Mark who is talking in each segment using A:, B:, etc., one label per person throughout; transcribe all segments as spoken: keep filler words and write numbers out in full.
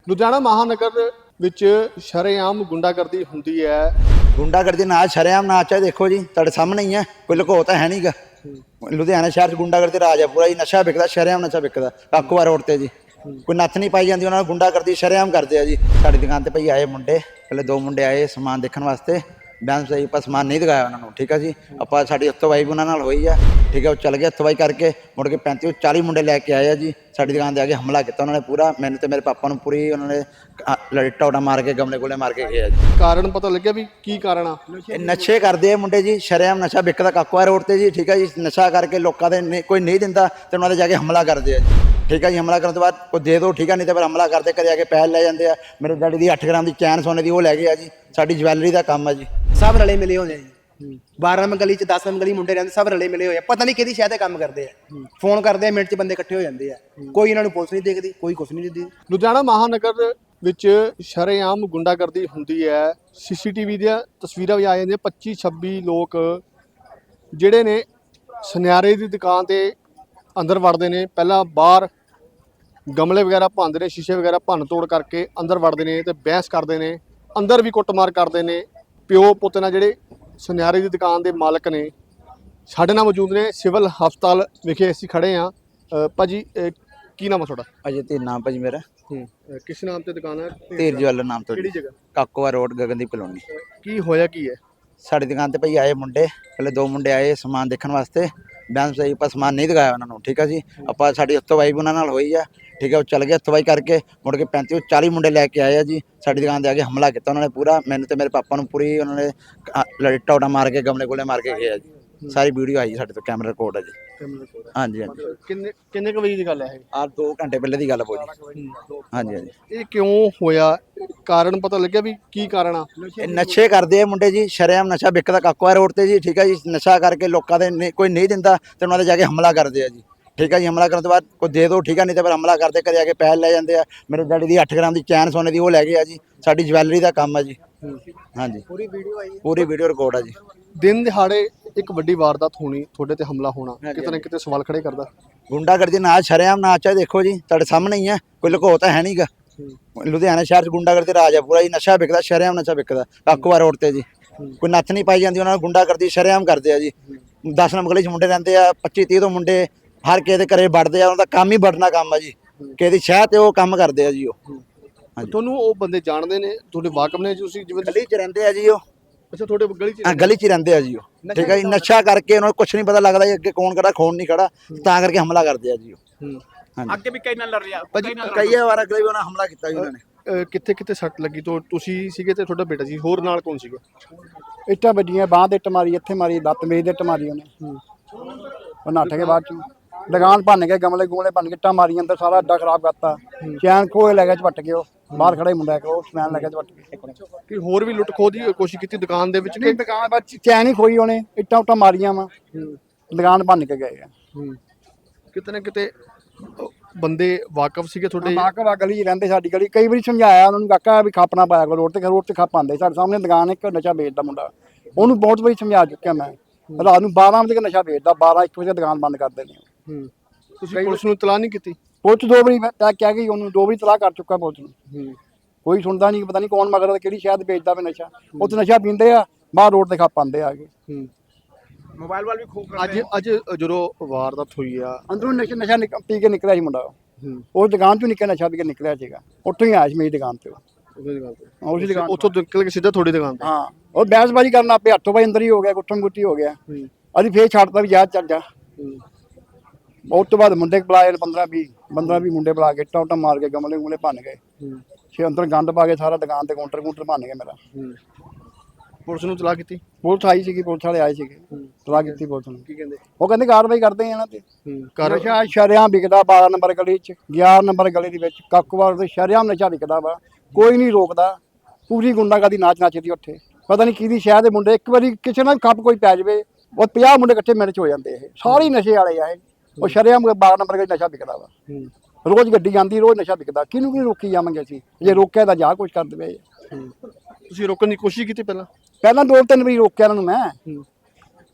A: ਲੁਧਿਆਣਾ ਮਹਾਨਗਰ ਵਿੱਚ ਸ਼ਰੇਆਮ ਗੁੰਡਾਗਰਦੀ ਹੁੰਦੀ ਹੈ।
B: ਗੁੰਡਾਗਰਦੀ ਨਾ ਸ਼ਰੇਆਮ ਨਾ ਚਾਹੇ ਦੇਖੋ ਜੀ ਤੁਹਾਡੇ ਸਾਹਮਣੇ ਹੀ ਹੈ, ਕੋਈ ਲੁਕੋ ਤਾਂ ਹੈ ਨਹੀਂਗਾ। ਲੁਧਿਆਣਾ ਸ਼ਹਿਰ 'ਚ ਗੁੰਡਾਗਰਦੀ ਰਾਜ ਹੈ ਪੂਰਾ ਜੀ। ਨਸ਼ਾ ਵਿਕਦਾ, ਸ਼ਰੇਆਮ ਨਸ਼ਾ ਵਿਕਦਾ ਕਾਕੂਆ ਰੋਡ ਤੇ ਜੀ। ਕੋਈ ਨੱਥ ਨਹੀਂ ਪਾਈ ਜਾਂਦੀ, ਉਹਨਾਂ ਨੂੰ ਗੁੰਡਾਗਰਦੀ ਸ਼ਰੇਆਮ ਕਰਦੇ ਆ ਜੀ। ਸਾਡੀ ਦੁਕਾਨ ਤੇ ਭਾਈ ਆਏ ਮੁੰਡੇ, ਪਹਿਲੇ ਦੋ ਮੁੰਡੇ ਆਏ ਸਮਾਨ ਦੇਖਣ ਵਾਸਤੇ। ਬੈਂਸ ਸਹੀ ਆਪਾਂ ਸਮਾਨ ਨਹੀਂ ਦਿਖਾਇਆ ਉਹਨਾਂ ਨੂੰ, ਠੀਕ ਆ ਜੀ। ਆਪਾਂ ਸਾਡੀ ਹੱਥੋਂਬਾਈ ਵੀ ਉਹਨਾਂ ਨਾਲ ਹੋਈ ਆ, ਠੀਕ ਆ। ਉਹ ਚੱਲ ਗਏ ਹੱਥੋਂਬਾਈ ਕਰਕੇ, ਮੁੜ ਕੇ ਪੈਂਤੀ ਚਾਲੀ ਮੁੰਡੇ ਲੈ ਕੇ ਆਏ ਆ ਜੀ। ਸਾਡੀ ਦੁਕਾਨ ਤੇ ਆ ਕੇ ਹਮਲਾ ਕੀਤਾ ਉਹਨਾਂ ਨੇ ਪੂਰਾ, ਮੈਨੂੰ ਤੇ ਮੇਰੇ ਪਾਪਾ ਨੂੰ ਪੂਰੀ ਉਹਨਾਂ ਨੇ ਲੜਿੱਟਾ ਉਡਾ ਮਾਰ ਕੇ ਗਮਲੇ ਗੋਲੇ ਮਾਰ ਕੇ ਗਏ ਆ ਜੀ।
A: ਕਾਰਨ ਪਤਾ ਲੱਗਿਆ ਵੀ ਕੀ ਕਾਰਨ ਆ?
B: ਇਹ ਨਸ਼ੇ ਕਰਦੇ ਆ ਮੁੰਡੇ ਜੀ, ਸ਼ਰੇਆਮ ਨਸ਼ਾ ਵਿਕਦਾ ਕਾਕੂਆ ਰੋਡ ਤੇ ਜੀ, ਠੀਕ ਆ ਜੀ। ਨਸ਼ਾ ਕਰਕੇ ਲੋਕਾਂ ਦੇ ਨਹੀਂ- ਕੋਈ ਨਹੀਂ ਦਿੰਦਾ ਤੇ ਉਹਨਾਂ ਦੇ ਜਾ ਕੇ ਹਮਲਾ ਕਰਦੇ ਆ ਜੀ, ਠੀਕ ਆ ਜੀ। ਹਮਲਾ ਕਰਨ ਤੋਂ ਬਾਅਦ ਕੋਈ ਦੇ ਦੋ, ਠੀਕ ਆ, ਨਹੀਂ ਤੇ ਫਿਰ ਹਮਲਾ ਕਰਦੇ, ਘਰੇ ਆ ਕੇ ਪੈਸੇ ਲੈ ਜਾਂਦੇ ਆ। ਮੇਰੇ ਡੈਡੀ ਦੀ ਅੱਠ ਗ੍ਰਾਮ ਦੀ ਚੈਨ ਸੋਨੇ ਦੀ ਉਹ ਲੈ ਗਏ ਆ ਜੀ। ਸਾਡੀ ਜਵੈਲਰੀ ਦਾ ਕੰਮ ਆ ਜੀ।
C: सब रले मिले होने जी। बारह नंबर गली च दस नंबर गली मुंडे रहते, सब रले मिले होए, पता नहीं कि शायद काम करते हैं। फोन करते हैं, मिनट च बंदे इकट्ठे हो जाते हैं। कोई इन्होंने पुलिस नहीं देखती, कोई कुछ नहीं देखती।
A: ਲੁਧਿਆਣਾ ਮਹਾਨਗਰ ਵਿੱਚ ਸ਼ਰੇਆਮ ਗੁੰਡਾਗਰਦੀ ਹੁੰਦੀ ਹੈ। ਸੀਸੀਟੀਵੀ ਦੀਆਂ ਤਸਵੀਰਾਂ ਵੀ ਆ ਜਾਂਦੀਆਂ। ਪੱਚੀ ਛੱਬੀ ਲੋਕ ਜਿਹੜੇ ਨੇ ਸੁਨਿਆਰੇ ਦੀ ਦੁਕਾਨ ਤੇ ਅੰਦਰ ਵੜਦੇ ਨੇ। ਪਹਿਲਾਂ ਬਾਹਰ ਗਮਲੇ ਵਗੈਰਾ ਭੰਨਦੇ ਨੇ, ਸ਼ੀਸ਼ੇ ਵਗੈਰਾ ਭੰਨ ਤੋੜ ਕਰਕੇ ਅੰਦਰ ਵੜਦੇ ਨੇ ਤੇ ਬਹਿਸ ਕਰਦੇ ਨੇ। ਅੰਦਰ ਵੀ ਕੁੱਟਮਾਰ ਕਰਦੇ ਨੇ। ਪਿਓ ਪੁੱਤ ਨਾਲ ਜਿਹੜੇ ਸੁਨਿਆਰੇ ਦੀ ਦੁਕਾਨ ਦੇ ਮਾਲਕ ਨੇ ਸਾਡੇ ਨਾਲ ਮੌਜੂਦ ਨੇ। ਸਿਵਲ ਹਸਪਤਾਲ ਵਿਖੇ ਅਸੀਂ ਖੜੇ ਹਾਂ। ਭਾਜੀ ਅਹ ਕੀ ਨਾਮ ਆ ਤੁਹਾਡਾ?
B: ਅਜੇ ਤੇ ਨਾਮ ਭਾਜੀ ਮੇਰਾ
A: ਹੂੰ ਕਿਸ ਨਾਮ ਤੇ ਦੁਕਾਨ ਹੈ?
B: ਧੀਰ ਜਵੈਲਰ ਨਾਮ ਤੋਂ।
A: ਕਿਹੜੀ ਜਗ੍ਹਾ?
B: Kakua road Gagandeep colony.
A: ਕੀ ਹੋਇਆ ਕੀ ਹੈ?
B: ਸਾਡੀ ਦੁਕਾਨ ਤੇ ਭਾਈ ਆਏ ਮੁੰਡੇ, ਪਹਿਲੇ ਦੋ ਮੁੰਡੇ ਆਏ ਸਮਾਨ ਦੇਖਣ ਵਾਸਤੇ। ਬੈਂਸ ਸਹੀ ਆਪਾਂ ਸਮਾਨ ਨਹੀਂ ਦਿਖਾਇਆ ਉਹਨਾਂ ਨੂੰ, ਠੀਕ ਆ ਜੀ। ਆਪਾਂ ਸਾਡੀ ਹੱਥੋਂਬਾਈ ਵੀ ਉਹਨਾਂ ਨਾਲ ਹੋਈ ਆ, ਠੀਕ ਆ। ਉਹ ਚੱਲ ਗਏ ਹੱਥੋਂਬਾਈ ਕਰਕੇ, ਮੁੜ ਕੇ ਪੈਂਤੀ ਚਾਲੀ ਮੁੰਡੇ ਲੈ ਕੇ ਆਏ ਆ ਜੀ। ਸਾਡੀ ਦੁਕਾਨ ਤੇ ਆ ਕੇ ਹਮਲਾ ਕੀਤਾ ਉਹਨਾਂ ਨੇ ਪੂਰਾ, ਮੈਨੂੰ ਤੇ ਮੇਰੇ ਪਾਪਾ ਨੂੰ ਪੂਰੀ ਉਹਨਾਂ ਨੇ ਲੜਿੱਟਾ ਉਡਾ ਮਾਰ ਕੇ ਗਮਲੇ ਗੋਲੇ ਮਾਰ ਕੇ ਗਏ ਆ ਜੀ। ਸਾਰੀ ਵੀਡੀਓ ਆਈ ਸਾਡੇ ਤੋਂ, ਕੈਮਰਾ ਰਿਕਾਰਡ ਆ ਜੀ। ਹਾਂਜੀ ਹਾਂਜੀ।
A: ਕਿੰਨੇ ਕਿੰਨੇ ਕੁ ਵਜੇ ਦੀ ਗੱਲ ਹੈ ਇਹ?
B: ਆਹ ਦੋ ਘੰਟੇ ਪਹਿਲੇ ਦੀ ਗੱਲ ਬੋਲੀ। ਹਾਂਜੀ ਹਾਂਜੀ।
A: ਇਹ ਕਿਉਂ ਹੋਇਆ? ਕਾਰਨ ਪਤਾ ਲੱਗਿਆ ਵੀ ਕੀ ਕਾਰਨ ਆ?
B: ਇਹ ਨਸ਼ੇ ਕਰਦੇ ਆ ਮੁੰਡੇ ਜੀ, ਸ਼ਰੇਆਮ ਨਸ਼ਾ ਵਿਕਦਾ ਕਾਕੂਆ ਰੋਡ ਤੇ ਜੀ, ਠੀਕ ਆ ਜੀ। ਨਸ਼ਾ ਕਰਕੇ ਲੋਕਾਂ ਦੇ ਨਹੀਂ- ਕੋਈ ਨਹੀਂ ਦਿੰਦਾ ਤੇ ਉਹਨਾਂ ਦੇ ਜਾ ਕੇ ਹਮਲਾ ਕਰਦੇ ਆ ਜੀ, ਠੀਕ ਆ ਜੀ। ਹਮਲਾ ਕਰਨ ਤੋਂ ਬਾਅਦ ਕੋਈ ਦੇ ਦੋ, ਠੀਕ ਆ, ਨਹੀਂ ਤੇ ਫਿਰ ਹਮਲਾ ਕਰਦੇ, ਘਰੇ ਆ ਕੇ ਪੈਸੇ ਲੈ ਜਾਂਦੇ ਆ। ਮੇਰੇ ਡੈਡੀ ਦੀ ਅੱਠ ਗ੍ਰਾਮ ਦੀ ਚੈਨ ਸੋਨੇ ਦੀ ਉਹ ਲੈ ਗਏ ਆ ਜੀ। ਸਾਡੀ ਜਵੈਲਰੀ ਦਾ ਕੰਮ ਆ ਜੀ। ਹਾਂਜੀ,
C: पूरी वीडियो आई,
B: ਪੂਰੀ ਵੀਡੀਓ ਰਿਕਾਰਡ ਆ ਜੀ।
A: ਦਿਨ ਦਿਹਾੜੇ ਇੱਕ ਵੱਡੀ ਵਾਰਦਾਤ ਹੋਣੀ, ਤੁਹਾਡੇ ਤੇ ਹਮਲਾ ਹੋਣਾ ਕਿਤੇ ਨਾ ਕਿਤੇ ਸਵਾਲ ਖੜੇ ਕਰਦਾ।
B: ਗੁੰਡਾਗਰਦੀ ਨਾ ਸ਼ਰੇਆਮ ਨਾ ਚਾਹੇ ਦੇਖੋ ਜੀ ਤੁਹਾਡੇ ਸਾਹਮਣੇ ਹੀ ਹੈ, ਕੋਈ ਲੁਕੋ ਤਾਂ ਹੈ ਨਹੀਂਗਾ। ਲੁਧਿਆਣਾ ਸ਼ਹਿਰ 'ਚ ਗੁੰਡਾਗਰਦੀ ਰਾਜ ਹੈ ਪੂਰਾ ਜੀ। ਨਸ਼ਾ ਵਿਕਦਾ, ਸ਼ਰੇਆਮ ਨਸ਼ਾ ਵਿਕਦਾ ਕਾਕੂਆ ਰੋਡ ਤੇ ਜੀ। ਕੋਈ ਨੱਥ ਨਹੀਂ ਪਾਈ ਜਾਂਦੀ, ਉਹਨਾਂ ਨੂੰ ਗੁੰਡਾਗਰਦੀ ਸ਼ਰੇਆਮ ਕਰਦੇ ਆ ਜੀ। ਦਸ ਨੰਬਰ ਗਲੀ 'ਚ ਮੁੰਡੇ ਰਹਿੰਦੇ ਆ, ਪੱਚੀ ਤੀਹ ਤੋਂ ਮੁੰਡੇ ਹਰ ਕਿਸੇ ਦੇ ਘਰੇ ਵੜਦੇ ਆ। ਉਹਨਾਂ ਦਾ ਕੰਮ ਹੀ ਵੜਨਾ ਕੰਮ ਆ ਜੀ। ਕਿਸੇ ਦੀ ਸ਼ਹਿਰ ਤੇ ਉਹ ਕੰਮ ਕਰਦੇ ਆ ਜੀ। ਉਹ
A: ਤੁਹਾਨੂੰ ਉਹ ਬੰਦੇ ਜਾਣਦੇ ਨੇ, ਤੁਹਾਡੇ ਵਾਕਫ ਨੇ? ਤੁਸੀਂ ਜਿਵੇਂ
B: ਗਲੀ 'ਚ ਰਹਿੰਦੇ ਆ ਜੀ ਉਹ।
A: ਅੱਛਾ, ਤੁਹਾਡੇ ਗਲੀ 'ਚ
B: ਹਾਂ, ਗਲੀ 'ਚ ਹੀ ਰਹਿੰਦੇ ਆ ਜੀ ਉਹ, ਠੀਕ ਆ ਜੀ। ਨਸ਼ਾ ਕਰਕੇ ਉਹਨਾਂ ਨੂੰ ਕੁਛ ਨਹੀਂ ਪਤਾ ਲੱਗਦਾ ਜੀ ਅੱਗੇ ਕੌਣ ਖੜਾ ਕੌਣ ਨਹੀਂ ਖੜਾ, ਤਾਂ ਕਰਕੇ ਹਮਲਾ ਕਰਦੇ ਆ ਜੀ ਉਹ।
C: आगे भी कई ना लड़ रहा।
A: ਭਾਜੀ
B: ਕਈ ਵਾਰ ਅਗਲੇ ਵੀ ਉਹਨਾਂ ਹਮਲਾ ਕੀਤਾ ਜੀ ਉਹਨਾਂ ਨੇ।
A: ਕਿੱਥੇ ਕਿੱਥੇ ਸੱਟ ਲੱਗੀ? ਤੋਂ ਤੁਸੀਂ ਸੀਗੇ ਤੇ ਤੁਹਾਡਾ ਬੇਟਾ ਸੀ, ਹੋਰ ਨਾਲ ਕੌਣ ਸੀਗਾ?
D: ਇੱਟਾਂ ਵੱਜੀਆਂ, ਬਾਂਹ ਦੇ ਇੱਟ ਮਾਰੀ, ਇੱਥੇ ਮਾਰੀ, ਲੱਤ ਮੇਜ਼ ਦੇ ਇੱਟ ਮਾਰੀ ਉਹਨੇ। ਉਹ ਨੱਠ ਕੇ ਬਾਅਦ ਚੋਂ ਦੁਕਾਨ ਭੰਨ ਕੇ, ਗਮਲੇ ਗੂਲੇ ਭੰਨ ਕੇ, ਇੱਟਾਂ ਮਾਰੀ ਅੰਦਰ, ਸਾਰਾ ਅੱਡਾ ਖਰਾਬ ਕਰਤਾ। ਚੈਨ ਖੋਏ ਲੈ ਗਿਆ ਝਪਟ ਕੇ। ਉਹ ਬਾਹਰ ਖੜਾ ਹੀ ਮੁੰਡਾ ਇੱਕ, ਉਹ ਸਮੈਨ ਲੈ ਗਿਆ ਝਪਟ ਕੇ।
A: ਕਿ ਹੋਰ ਵੀ ਲੁੱਟ ਖੋਹ ਦੀ ਕੋਸ਼ਿਸ਼ ਕੀਤੀ ਦੁਕਾਨ ਦੇ ਵਿੱਚ?
D: ਨਹੀਂ, ਦੁਕਾਨ ਬਾਅਦ ਚੈਨ ਹੀ ਖੋਈ ਉਹਨੇ, ਇੱਟਾਂ ਉੱਟਾਂ ਮਾਰੀਆਂ ਵਾ, ਦੁਕਾਨ ਭੰਨ ਕੇ ਗਏ ਆ।
A: ਕਿਤੇ ਨਾ ਕਿਤੇ ਬੰਦੇ ਵਾਕਫ ਸੀਗੇ ਤੁਹਾਡੇ?
D: ਮਾਕਵਾ ਗਲੀ 'ਚ ਰਹਿੰਦੇ, ਸਾਡੀ ਗਲੀ। ਕਈ ਵਾਰੀ ਸਮਝਾਇਆ ਉਹਨਾਂ ਨੂੰ, ਕਾਕਾ ਵੀ ਖੱਪ ਨਾ ਪਾਇਆ ਕਰੋ ਰੋਡ ਤੇ, ਰੋਡ ਤੇ ਖੱਪ ਆਉਂਦੇ। ਸਾਡੇ ਸਾਹਮਣੇ ਦੁਕਾਨ ਇੱਕ ਨਸ਼ਾ ਵੇਚਦਾ ਮੁੰਡਾ, ਉਹਨੂੰ ਬਹੁਤ ਵਾਰੀ ਸਮਝਾ ਚੁੱਕਿਆ ਮੈਂ। ਰਾਤ ਨੂੰ ਬਾਰਾਂ ਵਜੇ ਨਸ਼ਾ ਵੇਚਦਾ, ਬਾਰਾਂ ਇੱਕ ਵਜੇ ਦੁਕਾਨ ਬੰਦ ਕਰ ਦਿੰਦੇ ਆ।
A: ਤੁਸੀਂ ਪੁਲਿਸ ਨੂੰ ਇਤਲਾਹ ਨਹੀਂ ਕੀਤੀ?
D: ਪੁਲਿਸ ਦੋ ਵਾਰੀ ਮੈਂ ਕਹਿ ਗਈ ਉਹਨੂੰ, ਦੋ ਵਾਰੀ ਤਲਾਹ ਕਰ ਚੁੱਕਾ ਪੁਲਿਸ ਨੂੰ। ਕੋਈ ਸੁਣਦਾ ਨਹੀਂ, ਪਤਾ ਨਹੀਂ ਕੌਣ ਮਗਰ ਕਿਹੜੀ ਸ਼ਹਿਰ ਵੇਚਦਾ ਵੇ ਨਸ਼ਾ। ਉੱਥੇ ਨਸ਼ਾ ਪੀਂਦੇ ਆ, ਬਾਹਰ ਰੋਡ ਤੇ ਖੱਪ ਆਉਂਦੇ ਆ ਕੇ।
C: मोबाइल वाल भी खूब
A: ਅੱਜ ਅੱਜ ਜਦੋਂ ਵਾਰਦਾਤ ਹੋਈ ਆ,
D: ਅੰਦਰੋਂ ਨਸ਼ਾ ਨਸ਼ਾ ਨਿਕ- ਪੀ ਕੇ ਨਿਕਲਿਆ ਸੀ ਮੁੰਡਾ। ਉਹ ਦੁਕਾਨ ਚੋਂ ਨਿਕਲਿਆ, ਨਸ਼ਾ ਪੀ ਕੇ ਨਿਕਲਿਆ ਸੀਗਾ। ਉੱਥੋਂ ਹੀ ਆਇਆ ਸੀ ਮੇਰੀ ਦੁਕਾਨ ਤੇ। ਉਸੇ ਦੁਕਾਨ
A: ਉੱਥੋਂ ਨਿਕਲ ਕੇ ਸਿੱਧਾ ਤੁਹਾਡੀ ਦੁਕਾਨ ਤੇ?
D: ਹਾਂ, ਉਹ ਬਹਿਸਬਾਜ਼ੀ ਕਰਨ ਆਪੇ ਹੱਥੋਂ ਬਾਈ ਅੰਦਰ ਹੀ ਹੋ ਗਿਆ, ਗੁੱਠਮ ਗੁੱਟੀ ਹੋ ਗਿਆ। ਅਸੀਂ ਫੇਰ ਛੱਡਤਾ ਵੀ ਜਾ ਚੱਲ ਜਾ। ਉਸ ਤੋਂ ਬਾਅਦ ਮੁੰਡੇ ਬੁਲਾਏ ਪੰਦਰਾਂ ਵੀਹ ਪੰਦਰਾਂ ਵੀਹ ਮੁੰਡੇ ਬੁਲਾ ਕੇ, ਇੱਟਾਂ ਉੱਟਾਂ ਮਾਰ ਕੇ, ਗਮਲੇ ਗੁਮਲੇ ਭੰਨ ਗਏ। ਛੇ ਅੰਦਰ ਗੰਦ ਪਾ ਕੇ ਸਾਰਾ ਦੁਕਾਨ ਤੇ ਕਾਊਂਟਰ ਕਾਊਂਟਰ ਭੰਨ ਗਏ ਮੇਰਾ।
A: ਪੁਲਿਸ ਨੂੰ ਇਤਲਾਹ ਕੀਤੀ?
D: ਪੁਲਿਸ ਆਈ ਸੀਗੀ, ਪੁਲਿਸ ਵਾਲੇ ਆਏ ਸੀਗੇ, ਤਲਾਹ ਕੀਤੀ ਪੁਲਿਸ ਨੂੰ।
A: ਕੀ ਕਹਿੰਦੇ?
D: ਉਹ ਕਹਿੰਦੇ ਕਾਰਵਾਈ ਕਰਦੇ ਆ ਇਹਨਾਂ ਤੇ।
A: ਕਰ
D: ਨਸ਼ਾ ਸ਼ਰੇਆਮ ਵਿਕਦਾ ਬਾਰਾਂ ਨੰਬਰ ਗਲੀ 'ਚ, ਗਿਆਰਾਂ ਨੰਬਰ ਗਲੀ ਦੇ ਵਿੱਚ ਕਾਕੂਵਾਲ ਦੇ ਸ਼ਰੇਆਮ ਨਸ਼ਾ ਵਿਕਦਾ ਵਾ। ਕੋਈ ਨਹੀਂ ਰੋਕਦਾ। ਪੂਰੀ ਗੁੰਡਾਗਰਦੀ ਨਾਚ ਨੱਚਦੀ ਉੱਥੇ। ਪਤਾ ਨਹੀਂ ਕਿਹਦੀ ਸ਼ਹਿਰ ਦੇ ਮੁੰਡੇ, ਇੱਕ ਵਾਰੀ ਕਿਸੇ ਨਾਲ ਖੱਪ ਕੋਈ ਪੈ ਜਾਵੇ, ਉਹ ਪੰਜਾਹ ਮੁੰਡੇ ਇਕੱਠੇ ਮਿੰਟ 'ਚ ਹੋ ਜਾਂਦੇ। ਇਹ ਸਾਰੇ ਨਸ਼ੇ ਵਾਲੇ ਆ ਇਹ। ਉਹ ਸ਼ਰੇਆਮ ਬਾਰਾਂ ਨੰਬਰ ਗਲੀ ਨਸ਼ਾ ਵਿਕਦਾ ਵਾ। ਰੋਜ਼ ਗੱਡੀ ਜਾਂਦੀ, ਰੋਜ਼ ਨਸ਼ਾ ਵਿਕਦਾ। ਕਿਹਨੂੰ ਕਿਹਨੂੰ ਰੋਕੀ ਜਾਵਾਂਗੇ ਅਸੀਂ? ਜੇ ਰੋਕਿਆ ਤਾਂ ਜਾ ਕੁਛ ਕਰ ਦੇਵੇ।
A: ਤੁਸੀਂ ਰੋਕਣ ਦੀ ਕੋਸ਼ਿਸ਼ ਕੀਤੀ ਪਹਿਲਾਂ?
D: ਪਹਿਲਾਂ ਦੋ ਤਿੰਨ ਵਾਰੀ ਰੋਕਿਆ ਇਹਨਾਂ ਨੂੰ ਮੈਂ।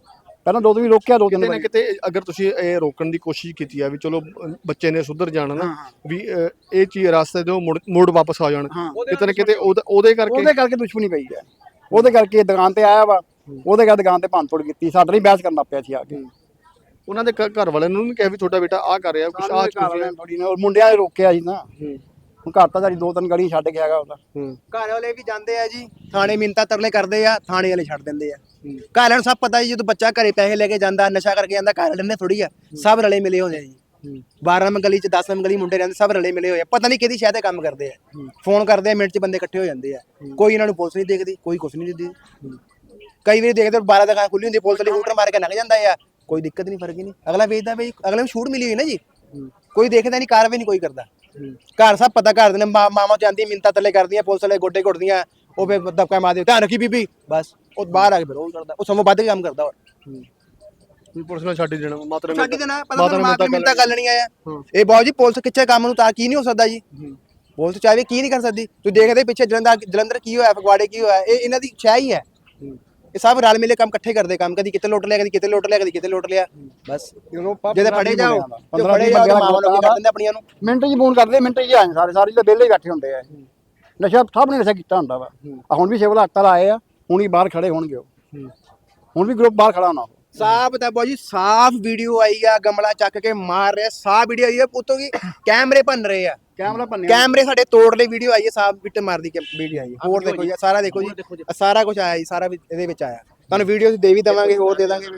D: ਪਹਿਲਾਂ ਦੋ ਦਿਨ ਰੋਕਿਆ ਦੋ ਤਿੰਨ
A: ਕਿਤੇ ਨਾ
D: ਵਾਰੀ
A: ਕਿਤੇ ਅਗਰ ਤੁਸੀਂ ਇਹ ਰੋਕਣ ਦੀ ਕੋਸ਼ਿਸ਼ ਕੀਤੀ ਆ ਵੀ ਚਲੋ ਅ, ਬੱਚੇ ਨੇ ਸੁਧਰ ਜਾਣਾ ਨਾ ਵੀ ਅ, ਇਹ ਚੀਜ਼ ਰਸਤੇ ਤੋਂ ਮੁੜ ਮੁੜ ਵਾਪਸ ਆ ਜਾਣ
D: ਹਾਂ।
A: ਕਿਤੇ ਨਾ ਕਿਤੇ ਉਹਦਾ- ਉਹਦੇ ਕਰਕੇ
D: ਉਹਦੇ ਕਰਕੇ ਦੁਸ਼ਮਣੀ ਪਈ ਹੈ ਉਹਦੇ ਕਰਕੇ ਦੁਕਾਨ ਤੇ ਆਇਆ ਵਾ ਉਹਦੇ ਕਰਕੇ ਦੁਕਾਨ ਤੇ ਭੰਨ ਤੋੜ ਕੀਤੀ ਸਾਡੇ ਨਾਲ ਹੀ ਬਹਿਸ ਕਰਨ ਲੱਗ ਪਿਆ ਸੀ ਆ ਕੇ
A: ਉਹਨਾਂ ਦੇ ਘ- ਘਰ ਵਾਲਿਆਂ ਨੂੰ ਨਹੀਂ ਕਿਹਾ ਵੀ ਤੁਹਾਡਾ ਬੇਟਾ ਆਹ ਕਰ ਰਿਹਾ ਕੁਛ ਆਹ ਚੀਜ਼ ਹੈ।
D: ਥੋੜੀ ਨਾ ਮੁੰਡਿਆਂ ਨੇ ਰੋਕਿਆ ਸੀ ਨਾ
A: ਹੂੰ
D: ਹੁਣ ਘਰ ਤਾਂ ਸਾਡੀ ਦੋ ਤਿੰਨ ਗਲੀਆਂ ਛੱਡ ਕੇ ਹੈਗਾ ਉਹਦਾ
A: ਹੂੰ
C: ਘਰ ਵਾਲੇ ਵੀ ਜਾਂਦੇ ਆ ਜੀ ਥਾਣੇ ਮਿੰਤਾ ਤਰਲੇ ਕਰਦੇ ਆ ਥਾਣੇ ਵਾਲੇ ਛੱਡ ਦਿੰਦੇ ਆ ਘਰ ਵਾਲਿਆਂ ਨੂੰ ਸਭ ਪਤਾ ਜੀ ਜਦੋਂ ਬੱਚਾ ਘਰੇ ਪੈਸੇ ਲੈ ਕੇ ਜਾਂਦਾ ਨਸ਼ਾ ਕਰਕੇ ਜਾਂਦਾ ਘਰ ਵਾਲੇ ਨੇ ਥੋੜੀ ਆ ਸਭ ਰਲੇ ਮਿਲੇ ਹੋਏ ਆ ਜੀ ਬਾਰਾਂ ਨੰਬਰ ਗਲੀ ਚ ਦਸ ਨੰਬਰ ਗਲੀ ਮੁੰਡੇ ਰਹਿੰਦੇ ਸਭ ਰਲੇ ਮਿਲੇ ਹੋਏ ਆ ਪਤਾ ਨਹੀਂ ਕਿਹਦੀ ਸ਼ਾਇਦ ਇਹ ਕੰਮ ਕਰਦੇ ਆ ਫੋਨ ਕਰਦੇ ਆ ਮਿੰਟ ਚ ਬੰਦੇ ਇਕੱਠੇ ਹੋ ਜਾਂਦੇ ਆ ਕੋਈ ਇਹਨਾਂ ਨੂੰ ਪੁਲਿਸ ਨਹੀਂ ਦੇਖਦੀ ਕੋਈ ਕੁਛ ਨਹੀਂ ਦਿੰਦੀ ਕਈ ਵਾਰੀ ਦੇਖਦੇ ਬਾਰਾਂ ਦੁਕਾਨ ਖੁੱਲੀ ਹੁੰਦੀ ਪੁਲਿਸ ਵਾਲੀ ਹੂਟਰ ਮਾਰ ਕੇ ਲੰਘ ਜਾਂਦਾ ਆ ਕੋਈ ਦਿੱਕਤ ਨਹੀਂ ਫਰਕ ਹੀ ਨਹੀਂ ਅਗਲਾ ਵੇਚਦਾ ਬਈ ਅਗਲੇ ਨੂੰ ਛੂਟ ਮਿਲੀ ਹੋਈ ਨਾ ਜੀ ਕੋਈ ਦੇਖਦਾ ਨਹੀਂ ਕਾਰਵਾਈ ਨਹੀਂ ਕੋਈ ਕਰਦਾ ਘਰ ਸਭ ਪਤਾ ਕਰਦੇ ਨੇ ਮਾਂ- ਮਾਵਾਂ ਜਾਂਦੀਆਂ ਮਿੰਤਾ ਤੱਲੇ ਕਰਦੀਆਂ ਪੁਲਿਸ ਵਾਲੇ ਗੋਡੇ ਘੁੱਟਦੀਆਂ ਉਹ ਫੇ ਦਬਕਾ ਮਾਰਦੇ ਧਿਆਨ ਰੱਖੀ ਬੀਬੀ ਬਸ ਉਹ ਬਾਹਰ ਆ ਕੇ ਫਿਰ ਉਹ ਕਰਦਾ ਉਹ ਸਮੋਂ ਵੱਧ ਕੇ ਕੰਮ ਕਰਦਾ ਹੋਰ
A: ਵੀ ਪੁਲਿਸ ਨੇ ਛੱਡ ਹੀ ਦੇਣਾ ਮਾਤਰਾ
C: ਸਾਡੀ ਤੇ ਨਾ ਪਤਾ ਨਹੀਂ ਮਾਂ ਮਿੰਤਾ ਕਰ ਲੈਣੀ ਆਇਆ ਇਹ ਬਾਉ ਜੀ ਪੁਲਿਸ ਕਿੱਥੇ ਕੰਮ ਨੂੰ ਤਾਂ ਕੀ ਨਹੀਂ ਹੋ ਸਕਦਾ ਜੀ ਪੁਲਿਸ ਚਾਹੇ ਕੀ ਨਹੀਂ ਕਰ ਸਕਦੀ ਤੂੰ ਦੇਖਦੇ ਪਿੱਛੇ ਜਲੰਧਰ ਜਲੰਧਰ ਕੀ ਹੋਇਆ ਫਗਵਾੜੇ ਕੀ ਹੋਇਆ ਇਹ ਇਹਨਾਂ ਦੀ ਛਾਇਆ ਹੀ ਹੈ ਇਹ ਸਭ ਰਲ ਮਿਲੇ ਕੰਮ ਇਕੱਠੇ ਕਰਦੇ ਕੰਮ ਕਦੀ ਕਿਤੇ ਲੁੱਟ ਲਿਆ ਕਦੀ ਕਿਤੇ ਲੁੱਟ ਲਿਆ ਕਦੀ ਕਿਤੇ ਲੁੱਟ ਲਿਆ ਬਸ ਜਦੋਂ ਫੜੇ ਜਾਓ ਜੋ ਫੜੇ ਜਾਓ ਤਾਂ ਮਾਵਾਂ ਨੂੰ ਕੀ ਕਰ ਦਿੰਦੇ ਆਪਣੀਆਂ ਨੂੰ
D: ਮਿੰਟ ਜੀ ਫੋਨ ਕਰਦੇ ਮਿੰਟ ਜੀ ਆਏ ਸਾਰੇ ਸਾਰੇ ਤਾਂ ਵਿਹਲੇ ਹੀ ਬੈਠੇ ਹੁੰਦੇ ਆ ਨਸ਼ਾ ਸਭ ਨੇ ਨਸ਼ਾ ਕੀਤਾ ਹੁੰਦਾ ਵਾ ਆਹ ਹੁਣ ਵੀ ਸਿਵਲ ਹਸਪਤਾਲ ਆਏ ਆ ਹੁਣ ਹੀ ਬਾਹਰ ਖੜੇ ਹੋਣਗੇ ਉਹ ਹੁਣ ਵੀ ਗਰੁੱਪ ਬਾਹਰ ਖੜਾ ਹੋਣਾ
C: ਸਾਫ ਤਾਂ ਬਾਊ ਜੀ ਸਾਫ ਵੀਡੀਓ ਆਈ ਆ ਗਮਲਾ ਚੱਕ ਕੇ ਮਾਰ ਰਿਹਾ ਸਾਫ ਵੀਡੀਓ ਆਈ ਆ ਪੁੱਤੋ ਕੀ ਕੈਮਰੇ ਭੰਨ ਰਹੇ ਆ
D: ਕੈਮਰਾ ਭੰਨਿਆ
C: ਕੈਮਰੇ ਸਾਡੇ ਤੋੜ ਲਈ ਵੀਡੀਓ ਆਈ ਹੈ ਸਾਫ ਬਿੱਟ ਮਾਰਦੀ ਵੀਡੀਓ ਆਈ ਹੈ ਹੋਰ ਦੇਖੋ ਜੀ ਸਾਰਾ ਦੇਖੋ ਜੀ ਸਾਰਾ ਕੁਝ ਆਇਆ ਜੀ ਸਾਰਾ ਵੀ ਇਹਦੇ ਵਿੱਚ ਆਇਆ ਤੁਹਾਨੂੰ ਵੀਡੀਓ ਦੇ ਵੀ ਦਵਾਂਗੇ ਹੋਰ ਦੇ ਦਾਂਗੇ